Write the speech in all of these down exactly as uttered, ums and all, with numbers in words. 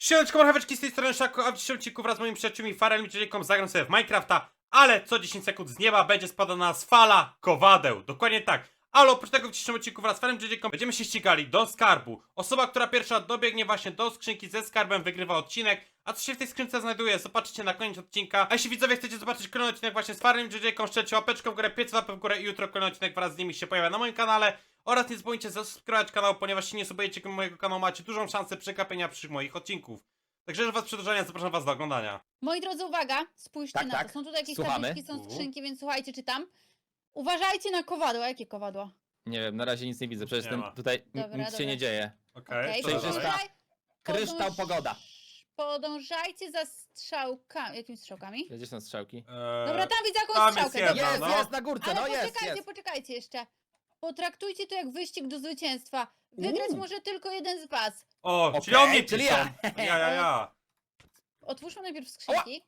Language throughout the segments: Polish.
Siemaneczko, marcheweczki, z tej strony Szaku, a w dzisiejszym odcinku wraz z moimi przyjaciółmi Farelem i Jayką zagram sobie w Minecrafta, ale co dziesięć sekund z nieba będzie spadała na nas fala kowadeł. Dokładnie tak. Ale oprócz tego w dzisiejszym odcinku wraz z Farelem i Jayką będziemy się ścigali do skarbu. Osoba, która pierwsza dobiegnie właśnie do skrzynki ze skarbem, wygrywa odcinek. A co się w tej skrzynce znajduje, zobaczycie na koniec odcinka. A jeśli widzowie chcecie zobaczyć kolejny odcinek właśnie z Farelem i Jayką, szczelcie łapeczkę w górę, pięć łapek w górę i jutro kolejny odcinek wraz z nimi się pojawia na moim kanale. Oraz nie zapomnijcie zasubskrybować kanał, ponieważ jeśli nie subujecie mojego kanału, macie dużą szansę przekapienia przyszłych moich odcinków. Także już was przedłużania, zapraszam was do oglądania. Moi drodzy, uwaga, spójrzcie Tak, na tak. to. Są tutaj jakieś Słuchamy. tabliczki, są U. skrzynki, więc słuchajcie, czytam. Uważajcie na kowadła. Jakie kowadła? Nie wiem, na razie nic nie widzę, przecież Nie ten, ma. tutaj n- Dobra, nic się dobra. nie dzieje. Okej, Okej, co dalej? Przejrzysta. podążaj- Kryształ podąż- pogoda. Podążajcie za strzałkami. Jakimi strzałkami? Gdzie są strzałki? Eee, Dobra, tam widzę jakąś tam jest strzałkę. jedna, dobra. Jest, no. jest na górce, Ale no jest, poczekajcie, jest. poczekajcie jeszcze. Potraktujcie to jak wyścig do zwycięstwa. Wygrać Uuu. może tylko jeden z was. O, Okej, czyli on mnie czyli piszą. ja. Ja, ja, ja. Otwórzmy najpierw skrzynki.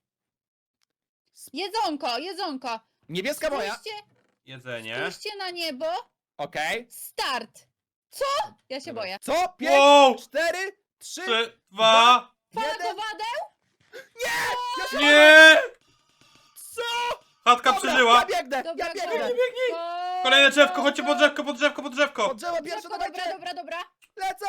Jedzonko, jedzonko. Niebieska moja. Spójrzcie, Jedzenie. spójrzcie na niebo. Okej. Start. Co? Ja się Dobra. boję. Co? Pięć, Wow! cztery, trzy, Trzy, dwa. Fala jeden. kowadeł? Ja się Nie! Co? Chatka Dobra, przeżyła. Ja biegnę, Dobra, ja biegnę. dobra. Go- Kolejne drzewko, chodźcie go- pod drzewko, pod drzewko, pod drzewko. Od drzewa pierwsze, Drzewko, dobra, dawajcie. dobra, dobra. Lecą.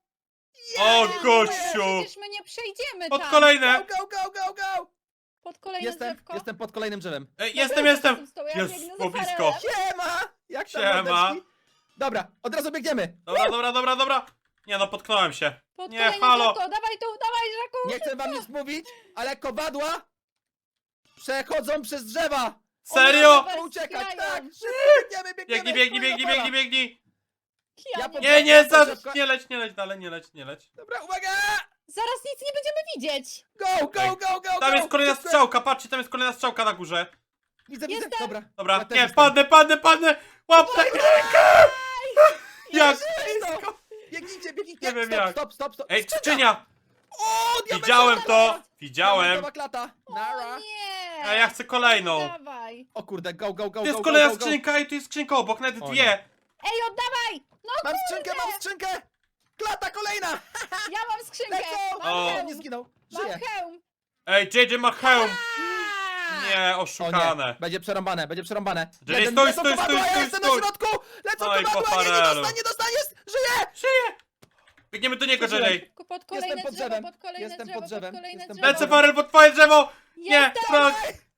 O, Nie, gościu. Przecież my nie przejdziemy Pod tam. kolejne. Go, go, go, go. Pod kolejne Jestem, drzewko. jestem pod kolejnym drzewem. Ej, Dobra, jestem, ja jestem. jestem z tobą, ja Jest biegnę za po blisko. Farelem. Siema. Jak tam Siema. mordeczki? Dobra, od razu biegniemy. Dobra, dobra, dobra, dobra. Nie no, potknąłem się. Pod Nie, kolejne halo. drzewko. Dawaj tu, dawaj, Żaku. Nie chcę wam nic mówić, ale kowadła przechodzą przez drzewa. Serio? One Uciekać, wspierają. tak! Szybko biegniemy, biegniemy! Biegnij, biegnij, Moja biegnij, fala. biegnij, biegnij. Ja Ja nie... po- Nie, nie, za... Drzewko. nie leć, nie leć dalej, nie leć, nie leć. Dobra, uwaga! Zaraz nic nie będziemy widzieć. Go, go, go, go, Tam go! jest kolejna Szybko. strzałka, patrzcie, tam jest kolejna strzałka na górze. Widzę, widzę, Jestem. dobra. Dobra, Ja też nie, jestem. padnę, padnę, padnę! Łap tak rękę! Jak Jest to. blisko! Biegnijcie, biegnijcie! Nie wiem stop, jak. stop, stop, stop! Ej, skrzynia! O, diamentowa Widziałem klata! to! Widziałem! Diamentowa klata! O Nara! nie. A ja chcę kolejną! Dawaj. O kurde, go, go, go, To jest go, kolejna go, go, go. skrzynka i tu jest skrzynka obok, nawet O dwie! nie. Ej, oddawaj. No Mam kurde. skrzynkę, mam skrzynkę! Klata kolejna! Ja mam skrzynkę. Lecą! Mam O. O, hełm. nie zginął, Mam żyje! hełm. Ej, J J ma hełm! A! Nie, O nie, oszukane. będzie przerąbane, będzie przerąbane. J J, Jeden, stój, lecą stój, kowadła, stój, ja stój, jestem stój. na środku! Lecą Oj, po kowadła, nie, nie farelu. dostanie, nie dostaniesz! Żyje! Żyje! Biegniemy do niego, J Przeżyłem. J. Pod kolejne Jestem pod drzewo, drzewem. pod kolejne Jestem drzewo, pod drzewem. pod kolejne Jestem drzewo. pod Lecę, drzewem. Farel, pod twoje drzewo! Nie, Jestem. Frank!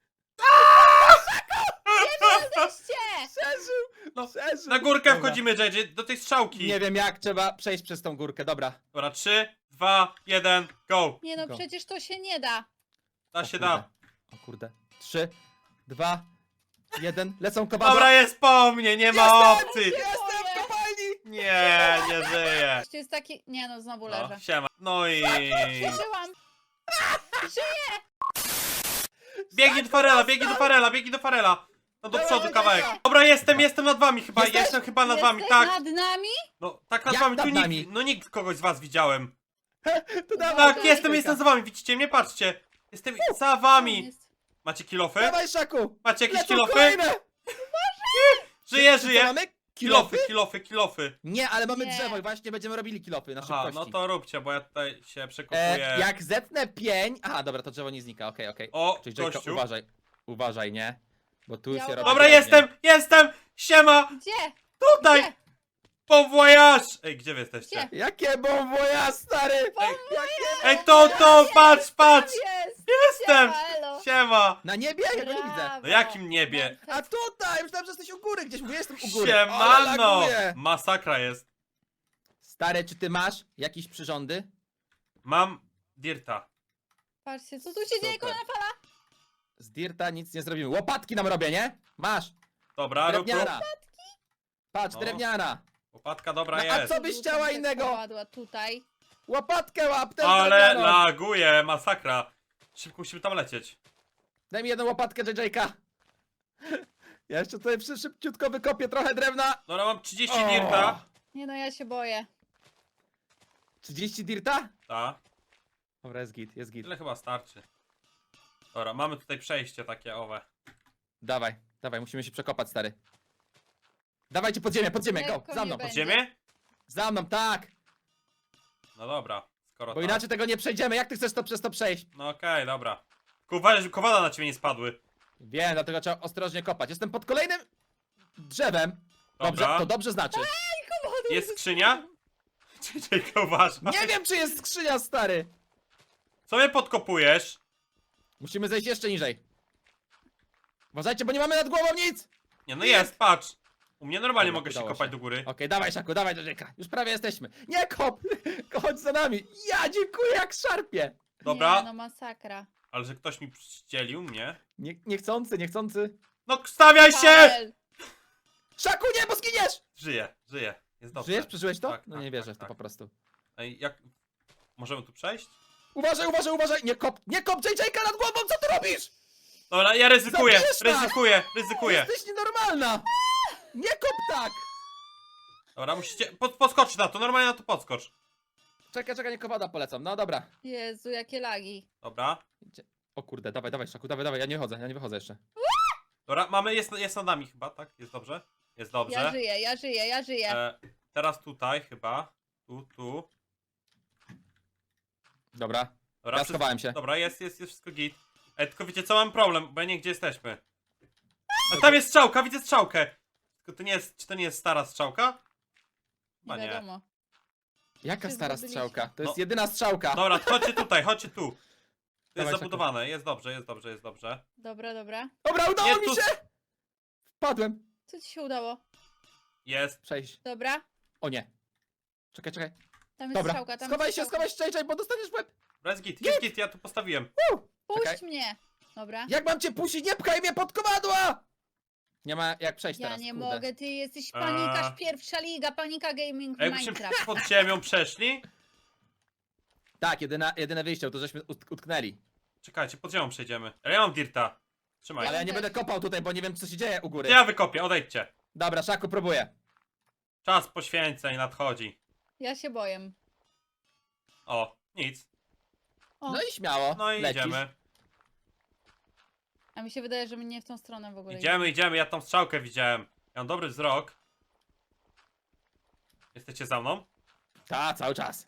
Jesteście. Przeżył! No, Przeżył! na górkę Dobra. wchodzimy, J J, do tej strzałki. Nie wiem jak, trzeba przejść przez tą górkę, dobra. Dobra, trzy, dwa, jeden, go! Nie no, Go. przecież to się nie da. Da O się kurde. da. O kurde. Trzy, dwa, jeden, lecą kowadła. Dobra, jest po mnie, nie ma Jestem! opcji! Jestem w kopalni! Nie, nie żyje. To jest taki... Nie no, znowu No, leżę. siema. No i... Przeżyłam. Biegnij do Farela, biegnij do Farela, biegnij do Farela. No do Dawaj, przodu dawaj, kawałek. dawaj. Dobra, jestem, jestem nad wami chyba, Jesteś? jestem chyba nad wami, Jesteś tak. nad nami? No, tak nad Jak wami, nad tu nikt, nami? no nikt kogoś z was widziałem. To dawaj, Tak, Dobra, jestem, Jejka. jestem za wami, widzicie mnie, patrzcie. Jestem za wami. Jest. Macie kilofy? Dawaj, Szaku! Macie jakieś Lecą kilofy? kolejne! Żyję, Co żyję. mamy? Kilofy, kilofy, kilofy. Nie, ale mamy Nie. drzewo i właśnie będziemy robili kilofy na Aha, szybkości. no to róbcie, bo ja tutaj się przekopuję. E, jak zetnę pień... Aha, dobra, to drzewo nie znika, okej, okej. O, Czyli Jayka, gościu. uważaj. Uważaj, nie? Bo tu Ja się robi... Dobra, ładnie. jestem, jestem. Siema, Gdzie? tutaj. Gdzie? Bon voyage. Ej, gdzie wy jesteście? Gdzie? Jakie bon voyage, stary! Ej, Jakie... ej, to, to, patrz, patrz. Jest. Jestem. Siema, elo. Siema. Na niebie? Ja go nie widzę. Brawo. No jakim niebie? A tutaj! Myślałem, że jesteś u góry gdzieś, mówię, jestem u góry. Siemano. Ale laguje. Masakra jest. Stary, czy ty masz jakieś przyrządy? Mam dirta. Patrzcie, co tu się dzieje, Super. kolejna fala? Z Dirta nic nie zrobimy. Łopatki nam robię, nie? Masz! Dobra, rób, rób. Drewniana! Patrz, No. drewniana! Łopatka dobra No, a jest. co byś chciała Rzucam te innego? kowadła tutaj. Łopatkę łap, też Ale drewnianą. laguje, masakra. Szybko musimy tam lecieć. Daj mi jedną łopatkę, J J-ka. Ja jeszcze tutaj przy- szybciutko wykopię trochę drewna. Dobra, mam trzydzieści O. dirta. Nie no, ja się boję. trzydzieści Dirta? Ta. Dobra, jest git, jest git. Tyle chyba starczy. Dobra, mamy tutaj przejście takie owe. Dawaj, dawaj, musimy się przekopać, stary. Dawajcie pod ziemię, pod ziemię, go, Lekko za nie mną. będzie. Ziemię? Za mną, tak! No dobra, Skoro Bo tak. inaczej tego nie przejdziemy. Jak ty chcesz to przez to przejść? No okej, dobra. Tylko uważaj, żeby kowala na ciebie nie spadły. Wiem, dlatego trzeba ostrożnie kopać. Jestem pod kolejnym drzewem. Dobrze, Dobra. to dobrze znaczy. Jest skrzynia? Czy Jake uważa? Nie wiem, czy jest skrzynia, stary. Co mnie podkopujesz? Musimy zejść jeszcze niżej. Uważajcie, bo nie mamy nad głową nic. Nie, no jest, patrz. U mnie normalnie Dobra, mogę się udało kopać się. do góry. Okej, dawaj, Szaku, dawaj, Rzeka. Już prawie jesteśmy. Nie kop! Chodź za nami. Ja dziękuję, jak szarpie. Dobra, Nie, no masakra. ale że ktoś mi przydzielił mnie. Nie, niechcący, niechcący. No stawiaj się! Paweł, Szaku, nie, bo zginiesz! Żyję, żyję. Jest dobrze. Żyjesz? Przeżyłeś to? Tak, no tak, nie wierzę tak, w to tak. po prostu. Ej, jak... Możemy tu przejść? Uważaj, uważaj, uważaj! Nie kop, nie kop J J-ka nad głową, co ty robisz? Dobra, ja ryzykuję, Zabijesz nas! ryzykuję, ryzykuję. Jesteś nienormalna! Nie kop tak! Dobra, musicie... Pod, podskocz na to, normalnie na to podskocz. Czekaj, czekaj, nie kowada polecam. No dobra. Jezu, jakie lagi. Dobra. Idzie. O kurde, dawaj, dawaj, Szaku, dawaj, dawaj, ja nie wychodzę, ja nie wychodzę jeszcze. Dobra, mamy, jest, jest nad nami chyba, tak? Jest dobrze? Jest dobrze. Ja żyję, ja żyję, ja żyję. E, teraz tutaj chyba. Tu, tu. Dobra, Dobra, ja wszystko- schowałem się. Dobra, jest, jest, jest wszystko git. E, tylko wiecie co, mam problem, bo ja nie wiem, gdzie jesteśmy. A tam jest strzałka, widzę strzałkę. Tylko to nie jest, czy to nie jest stara strzałka? Chyba Nie nie. wiadomo. Jaka się stara zgubiliśmy. strzałka? To jest No. jedyna strzałka. Dobra, chodźcie tutaj, chodźcie tu. To jest Dawaj, Szaku. zabudowane, jest dobrze, jest dobrze, jest dobrze. Dobra, dobra. Dobra, udało Nie, mi tu- się! Wpadłem. Co ci się udało? Jest. Przejść. Dobra. O nie. Czekaj, czekaj. Tam jest Dobra, strzałka, tam schowaj jest się, strzałka. schowaj się, J J, bo dostaniesz w łeb. Dobra, jest git, jest git, ja tu postawiłem. Puść Czekaj. mnie. Dobra. Jak mam cię puścić? Nie pchaj mnie pod kowadła! Nie ma jak przejść Ja teraz, nie kurde. mogę, ty jesteś panikarz, A. pierwsza liga, panika gaming w A jakbyśmy Minecraft. pod ziemią przeszli? Tak, jedyne, jedyne wyjście, to żeśmy ut- utknęli. Czekajcie, pod ziemią przejdziemy. Ale ja mam dirta. Trzymaj. Ale ja Ja nie też. będę kopał tutaj, bo nie wiem co się dzieje u góry. Ja wykopię, odejdźcie. Dobra, Szaku, próbuję. Czas poświęceń nadchodzi. Ja się boję. O, nic. O, No i śmiało, No i lecisz. idziemy. a mi się wydaje, że my nie w tą stronę w ogóle Idziemy, idziemy, ja tam strzałkę widziałem. Ja mam dobry wzrok. Jesteście za mną? Ta, cały czas.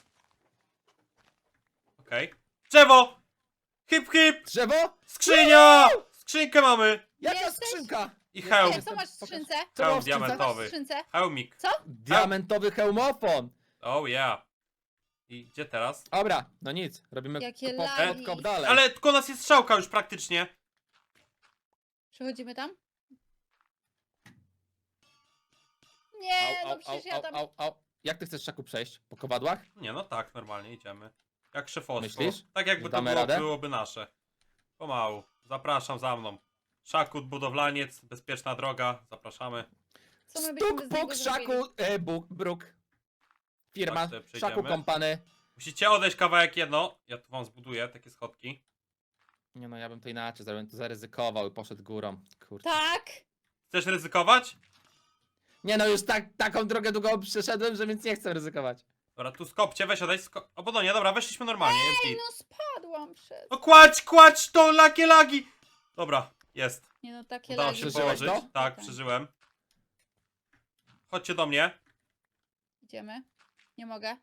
Okej. Drzewo! Hip hip! Drzewo? Skrzynia! Skrzynkę mamy! Jaka Jesteś? skrzynka? I Nie, hełm. Nie, co masz w skrzynce? Co było Hełm w skrzynce? Co masz w diamentowy. skrzynce? Hełmik. Diamentowy hełmofon. Oh yeah. I gdzie teraz? Dobra, no nic, robimy Jakie kop, lagi. kop dalej. Ale tylko nas jest strzałka już praktycznie. Przechodzimy tam? Nie, Au, no au, przecież au, ja au, tam... au, au. Jak ty chcesz, Szaku, przejść? Po kowadłach? Nie, no tak, normalnie idziemy. Jak szefostwo. Myślisz? Tak jakby Że to damy było, radę? byłoby nasze. Pomału. Zapraszam za mną. Szakut, budowlaniec, bezpieczna droga. Zapraszamy. Co my byśmy Stuk, bez niego puk, zrobili? Szaku, e, buk, bruk. Firma, Tak sobie przejdziemy. Szaku Kompany. Musicie odejść kawałek jedno. Ja tu wam zbuduję takie schodki. Nie no, ja bym to inaczej zrobił, to zaryzykował i poszedł górą. Kurczę. Tak! Chcesz ryzykować? Nie no, już tak, taką drogę długą przeszedłem, że więc nie chcę ryzykować. Dobra, tu skopcie, weź odejdź. Sko o, bo no nie, dobra, weszliśmy normalnie, jest Ej, git. no spadłam przez... No kładź, kładź to, lagi, lagi! Dobra, jest. Nie no, takie Udało lagi. się Przeżyłeś położyć. to? Tak, Tak. przeżyłem. Chodźcie do mnie. Idziemy. Nie mogę.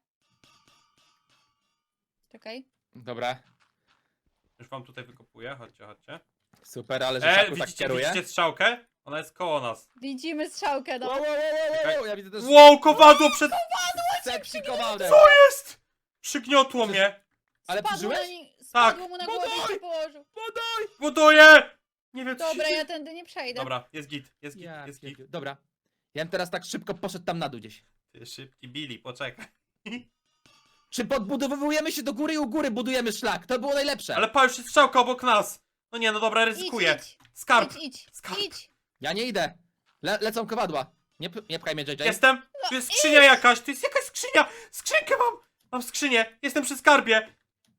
Czekaj. Dobra, Już wam tutaj wykopuję, chodźcie, chodźcie. super, ale że E, Szaku tak widzicie, kieruje. widzicie strzałkę? Ona jest koło nas. Widzimy strzałkę, no. Wow, wow, wow, wow, wow, ja widzę też Wow, kowadło przed... sepsi kowadłem. Co jest? Przygniotło mnie. Ale Spadło, przeżyłeś? na ni- spadło Tak. mu na No głowę i daj! się położył. Podaj! Buduję! Nie wiem, co Dobra, się ja dzieje. tędy nie przejdę. Dobra, jest git, jest git, Ja, jest git. pierdziu- Dobra, ja bym teraz tak szybko poszedł tam na dół gdzieś. Ty szybki Billy, poczekaj. Czy podbudowujemy się do góry i u góry budujemy szlak? To było najlepsze. Ale pa, już jest strzałka obok nas. No nie, no dobra, ryzykuję. Idź, idź, Skarb, idź, idź, Skarb. idź. Ja nie idę. Le lecą kowadła. Nie, p- nie pchaj mnie, J J. jestem. Tu jest skrzynia jakaś, tu jest jakaś skrzynia. Skrzynkę mam. Mam skrzynię, jestem przy skarbie.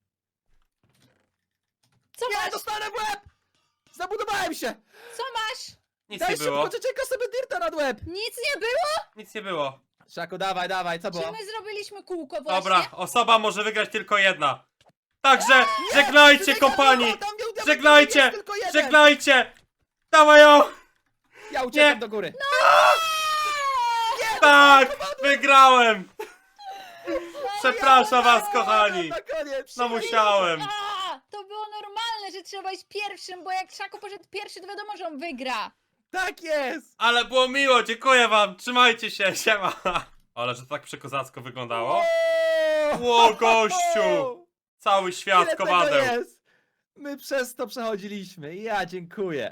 Co Nie, masz? dostanę w łeb! Zabudowałem się! Co masz? Nic Daj nie było, szybko, J J sobie dirta nad łeb! Nic nie było? nic nie było. Szaku, dawaj, dawaj, co Czy było? my zrobiliśmy kółko właśnie? Dobra, osoba może wygrać tylko jedna. Także żegnajcie, J J, kompani. tam był diament, Żegnajcie, jest tylko jeden. żegnajcie. Dawaj ją. Ja uciekam Nie. do góry. Tak, wygrałem. Przepraszam was, kochani. Na koniec. No musiałem. A, to było normalne, że trzeba iść pierwszym, bo jak Szaku poszedł pierwszy, to wiadomo, że on wygra. Tak jest. Ale było miło, dziękuję wam. Trzymajcie się, siema. Ale że to tak przekozacko wyglądało. Ło, gościu. Cały świat Ile tego kowadeł. jest? My przez to przechodziliśmy. Ja dziękuję.